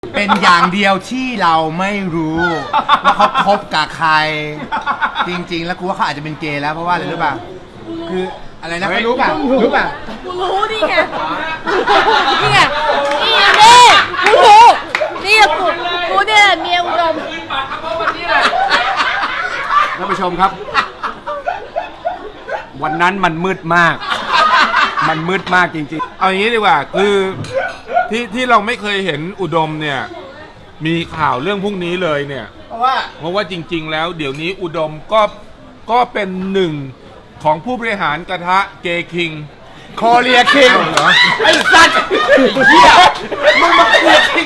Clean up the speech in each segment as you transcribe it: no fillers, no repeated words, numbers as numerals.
เป็นอย่างเดียวที่เราไม่รู้ว่าเขาคบกับใคร จริงๆ แล้วกูว่าเขาอาจจะเป็นเกย์แล้วเพราะว่าอะไรรู้ป่ะคืออะไรนะรู้ป่ะรู้ป่ะกูรู้นี่ไงนี่ไงนี่ไงนี่กูรู้นี่กูเนี่ยเมียอุดมท่านผู้ชมครับ วันนั้นมันมืดมาก มันมืดมากจริงเอาอย่างนี้ดีกว่าคือที่เราไม่เคยเห็นอุดมเนี่ยมีข่าวเรื่องพวกนี้เลยเนี่ยเพราะว่าจริงๆแล้วเดี๋ยวนี้อุดมก็เป็นหนึ่งของผู้บริหารกระทะเกคิงคอเรียคิงไอ้สัตว์เหี้ยมึงมาเรียคิง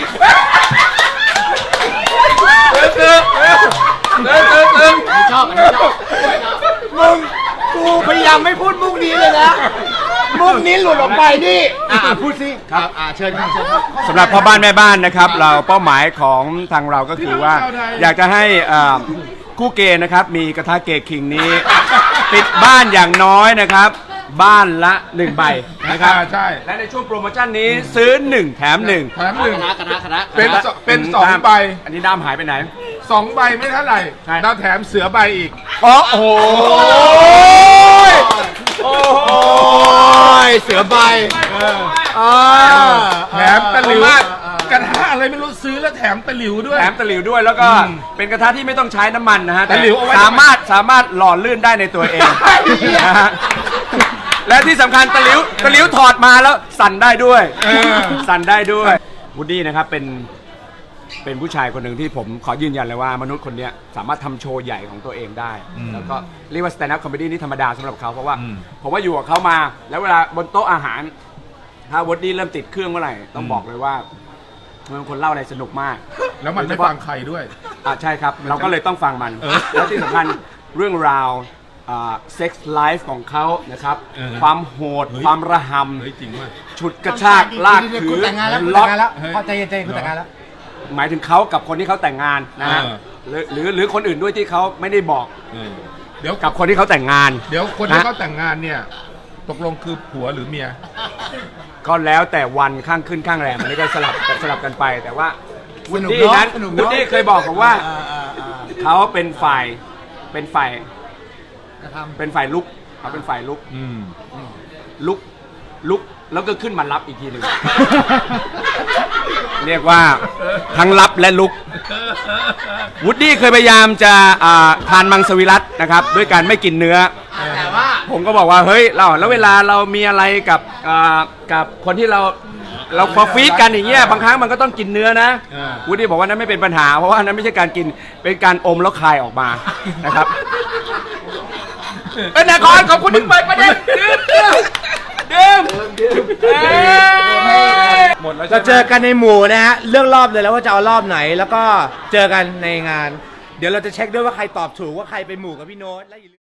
ชอบมึงกูพยายามไม่พูดมุกนี้เลยนะมุกนี้หลุดออกไปนี่พูดสิครับเชิญครับเชิญครับๆสำหรับพ่อบ้านแม่บ้านนะครับ เราเป้าหมายของทางเราก็คือว่า อยากจะให้คู่เกย์นะครับมีกระทะเกคิงนี้ ติดบ้านอย่างน้อยนะครับ บ้านละ1ใบนะครับใช่และในช่วงโปรโมชั่นนี้ซื้อ1แถม1 แถมหนึ่งคณะเป็น2 ใบอันนี้ด้ามหายไปไหน 2 ใบไม่เท่าไหร่ใช่เราแถมเสือใบอีกโอ้โหโอ้ยเสือใบแถมตะหลิวกระทะอะไรไม่รู้ซื้อแล้วแถมตะหลิวด้วยแถมตะหลิวด้วยแล้วก็เป็นกระทะที่ไม่ต้องใช้น้ำมันนะฮะตะหลิวเอาไว้สามารถหล่อลื่นได้ในตัวเองนะฮะและที่สำคัญตะหลิวถอดมาแล้วสั่นได้ด้วยสั่นได้ด้วยวูดดี้นะครับเป็นผู้ชายคนหนึ่งที่ผมขอยืนยันเลยว่ามนุษย์คนนี้สามารถทำโชว์ใหญ่ของตัวเองได้แล้วก็เรียกว่าสแตนด์อัพคอมเมดี้นี่ธรรมดาสำหรับเขาเพราะว่าผมว่าอยู่กับเขามาแล้วเวลาบนโต๊ะอาหารถ้าวูดดี้เริ่มติดเครื่องเมื่อไหร่ต้องบอกเลยว่ามันเป็นคนเล่าอะไรสนุกมากแล้วมันไม่ฟังใครด้วยใช่ครับเราก็เลยต้องฟังมันแล้วที่สำคัญเรื่องราวเซ็กส์ไลฟ์ของเขานะครับความโหดความระหเฮ้ยจริงว่ะำฉุดกระชากลากถืกูอแต่งงานแล้วกูล็แต่อง กงงานแล้วพอใจเย็นๆกูแต่งงานแล้วหมายถึงเขากับคนที่เขาแต่งงานนะฮะหรือคนอื่นด้วยที่เขาไม่ได้บอกเดี๋ยวกับคนที่เขาแต่งงานเดี๋ยวคนที่เขาแต่งงานเนี่ยตกลงคือผัวหรือเมียก็แล้วแต่วันข้างขึ้นข้างแรมอันนี้ก็สลับกันไป แต่ว่าวูดดี้นั้นวูดดี้เคยบอกผมว่าเขาเป็นฝ่ายลุกเขาเป็นฝ่ายลุกลุกแล้วก็ขึ้นมารับอีกทีหนึ่ง เรียกว่าทั้งรับและลุกวูดดี้เคยพยายามจะทานมังสวิรัตินะครับด้วยการไม่กินเนื้อแต่ว่าผมก็บอกว่าเฮ้ยแล้วเวลาเรามีอะไรกับคนที่เราพอฟีดกันอย่างเงี้ยบางครั้งมันก็ต้องกินเนื้อนะวูดดี้บอกว่านั้นไม่เป็นปัญหาเพราะว่านั้นไม่ใช่การกินเป็นการอมแล้วคายออกมานะครับเป็นนครขอบคุณที่เปิดประเด็นดื่มหมดแล้วเราเจอกันในหมู่นะฮะเรื่องรอบเลยแล้วว่าจะเอารอบไหนแล้วก็เจอกันในงาน เดี๋ยวเราจะเช็คด้วยว่าใครตอบถูกว่าใครไปหมู่กับพี่โน้ตและ